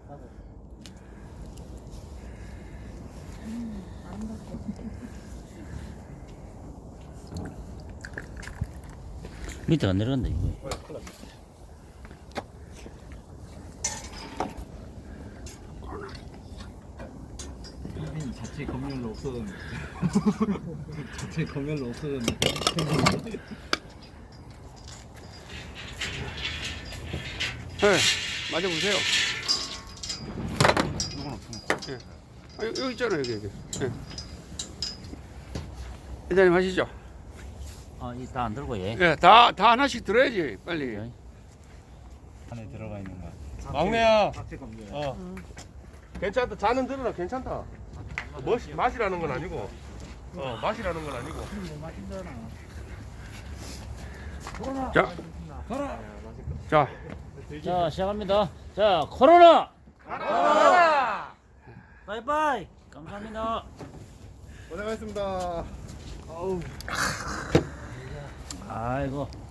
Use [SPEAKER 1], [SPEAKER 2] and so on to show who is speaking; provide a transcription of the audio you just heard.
[SPEAKER 1] 밑에 안 내려간다 이거.
[SPEAKER 2] 필리핀 자체 검열로 없어졌네. 자체 검열로 없어졌네.
[SPEAKER 3] 네, 맞아보세요. 예. 아, 여기 있잖아요, 여기. 예. 회장님 하시죠.
[SPEAKER 1] 이다 안 들고 얘.
[SPEAKER 3] 예, 다 하나씩 들어야지, 빨리.
[SPEAKER 1] 네.
[SPEAKER 2] 안에 들어가 있는 거.
[SPEAKER 4] 막내야.
[SPEAKER 2] 자체 검열.
[SPEAKER 4] 괜찮다. 잔은 들어라. 괜찮다. 맛이라는 건 아니고. 맛이라는 건 아니고.
[SPEAKER 3] 자, 자,
[SPEAKER 1] 자 시작합니다. 자 코로나.
[SPEAKER 4] 가라!
[SPEAKER 1] 바이바이. 감사합니다.
[SPEAKER 4] 고생하셨습니다.
[SPEAKER 1] 아이고.